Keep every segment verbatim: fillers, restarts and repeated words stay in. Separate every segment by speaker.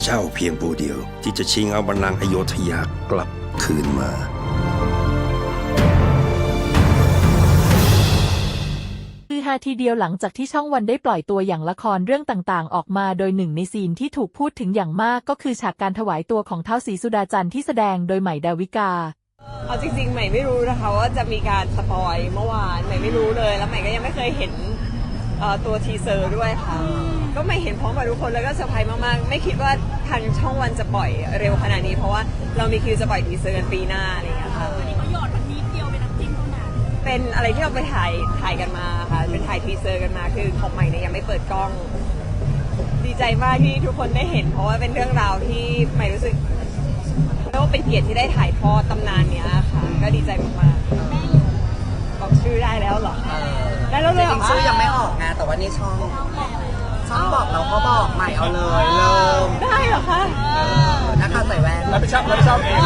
Speaker 1: เจ้าเพียงผู้เดียวที่จะชิงเอาบัลลังก์อโยธยากลับคืนมา
Speaker 2: คือฮาทีเดียวหลังจากที่ช่องวันได้ปล่อยตัวอย่างละครเรื่องต่างๆออกมาโดยหนึ่งในซีนที่ถูกพูดถึงอย่างมากก็คือฉากการถวายตัวของท้าวศรีสุดาจันทร์ที่แสดงโดยใหม่ดาวิกา
Speaker 3: เอาจริงๆใหม่ไม่รู้นะคะว่าจะมีการสปอยเมื่อวานใหม่ไม่รู้เลยแล้วใหม่ก็ยังไม่เคยเห็นตัวทีเซอร์ด้วยค่ะก็ไม่เห็นพร้อมกับทุกคนแล้วก็เซอร์ไพรส์มากๆไม่คิดว่าทางช่องวันจะปล่อยเร็วขนาดนี้เพราะว่าเรามีคิวจะปล่อยทีเซอร์กันปีหน้าอะไรอย่างเงี้ยค่ะ
Speaker 4: วันนี้เขาหยอดมันนิดเดียวเป็นน้ำจิ้มเท่านั้น
Speaker 3: เป็นอะไรที่เราไปถ่ายถ่ายกันมาค่ะเป็นถ่ายทีเซอร์กันมาคือของใหม่เนี่ยยังไม่เปิดกล้องดีใจมากที่ทุกคนได้เห็นเพราะว่าเป็นเรื่องราวที่ใหม่รู้สึกเรียกว่าเป็นเกียรติที่ได้ถ่ายทอดตำนานเนี้ยค่ะก็ดีใจมากๆบอกชื่อได้แล้วเหรอได้แล้วเลยเหรอ
Speaker 5: ชื่อยังไม่ออกไงแต่ว่านี่ช่องช่องบอกเราก็บอกใหม่เอาเลยเริ่ม
Speaker 3: ได้เหรอคะ
Speaker 5: นักข่าวใส่แว่น
Speaker 6: รับผิดชอบรับผิดชอบเอง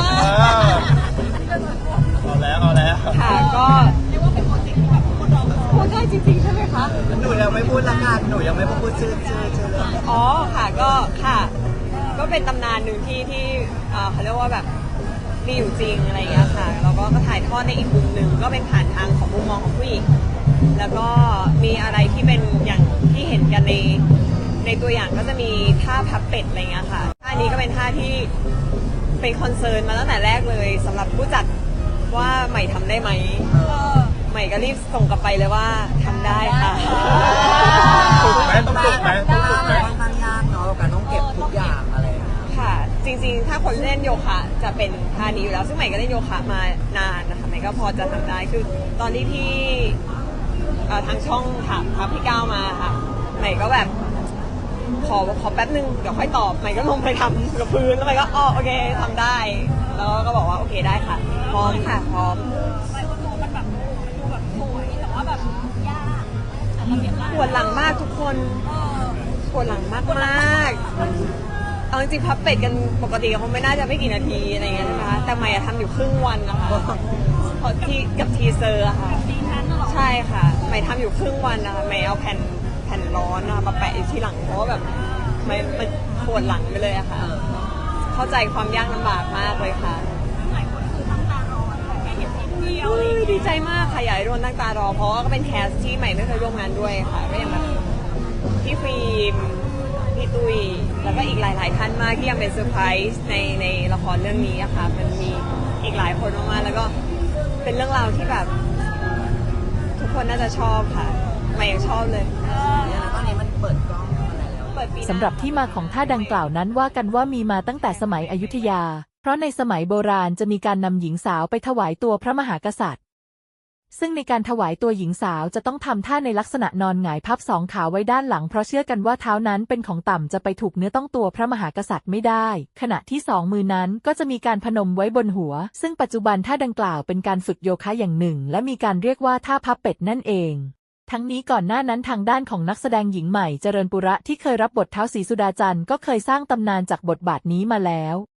Speaker 6: เอาแล้วเอาแล้ว
Speaker 3: ค่ะก็
Speaker 4: เรียกว่าเป็นโปรเจกต์ที่แบบคนรอ
Speaker 3: พูดได้จริงๆใช่ไหมคะ
Speaker 5: หนูยังไม่พูดละกันหนูยังไม่พูดชื่อชื่อชื่อเลย
Speaker 3: อ๋อค่ะก็ค่ะก็เป็นตำนานหนึ่งที่ที่เขาเรียกว่าแบบมีอยู่จริงอะไรอย่างเงี้ยค่ะแล้วก็ถ่ายทอดในอีกมุมหนึ่งก็เป็นผ่านทางของมุมมองของผู้หญิงแล้วก็มีอะไรที่เป็นอย่างที่เห็นกันในในตัวอย่างก็จะมีท่าพับเป็ดอะไรเงี้ยค่ะท่านี้ก็เป็นท่าที่เป็นคอนเซิร์นมาตั้งแต่แรกเลยสำหรับผู้จัดว่าใหม่ทำได้ไหมใหม่ก็รีบส่งกลับไปเลยว่าทำได้ค่ะ
Speaker 6: ถูกไหมต้องถูกไหมต้องถูกไหม
Speaker 5: ค่อนข้างยากเนาะการต้องเก็บทุกอย่างอะไร
Speaker 3: ค่ะจริงๆถ้าคนเล่นโยคะจะเป็นท่านี้อยู่แล้วซึ่งใหม่ก็เล่นโยคะมานานนะคะใหม่ก็พอจะทำได้คือตอนที่พี่ทางช่องถามครับพี่ก้าวมาค่ะใหม่ก็แบบขอขอแป๊บนึงเดี๋ยวค่อยตอบใหม่ก็ลงไปทำกับพื้นแล้วใหม่ก็อ๋อโอเคทำได้แล้วก็บอกว่าโอเคได้ค่ะพร้อมค่ะพร้อม
Speaker 4: ไปคนดูมันแบบดูแบบสวยแต่ว่าแบบยาก
Speaker 3: ปวดหลังมากทุกคนปวดหลังมากมากเอาจริงๆพับเป็ดกันปกติเขาไม่น่าจะไม่กี่นาทีอะไรเงี้ยใช่ไหมคะแต่ใหม่ทำอยู่ครึ่งวันนะคะพอที่กับทีเซอร์ค่ะใช่ค่ะใหม่ทำอยู่ครึ่งวันนะคะใหม่เอาแผ่นแผ่นร้อนมาแปะที่หลังเพราะว่าแบบมันมันปวดหลังไปเลยอะค่ะเข้าใจความยากลำบากมากเลยค่ะ
Speaker 4: หลายคนคือตั้งตารอแค่เห็นนิดเดียว
Speaker 3: ดีใจมากค่ะอยากให้ทุกคนตั้งตารอเพราะว่าก็เป็นแคสที่ใหม่ไม่เคยร่วมงานด้วยค่ะก็ยังแบบพี่ฟิล์มพี่ตุ้ยแล้วก็อีกหลายๆท่านมากที่ยังเป็นเซอร์ไพรส์ในในละครเรื่องนี้อะค่ะมันมีอีกหลายคนมากๆแล้วก็เป็นเรื่องราวที่แบบทุกคนน่าจะชอบค่ะใหม่ยังชอบเลย
Speaker 5: แล้วตอนนี้มันเปิดกล้องอะไรแล้ว
Speaker 2: สำหรับที่มาของท่าดังกล่าวนั้นว่ากันว่ามีมาตั้งแต่สมัยอยุธยาเพราะในสมัยโบราณจะมีการนำหญิงสาวไปถวายตัวพระมหากษัตริย์ซึ่งในการถวายตัวหญิงสาวจะต้องทำท่าในลักษณะนอนหงายพับสองขาไว้ด้านหลังเพราะเชื่อกันว่าเท้านั้นเป็นของต่ำจะไปถูกเนื้อต้องตัวพระมหากษัตริย์ไม่ได้ขณะที่สองมือนั้นก็จะมีการพนมไว้บนหัวซึ่งปัจจุบันท่าดังกล่าวเป็นการฝึกโยคะอย่างหนึ่งและมีการเรียกว่าท่าพับเป็ดนั่นเองทั้งนี้ก่อนหน้านั้นทางด้านของนักแสดงหญิงใหม่เจริญปุระที่เคยรับบทท้าวศรีสุดาจันทร์ก็เคยสร้างตำนานจากบทบาทนี้มาแล้ว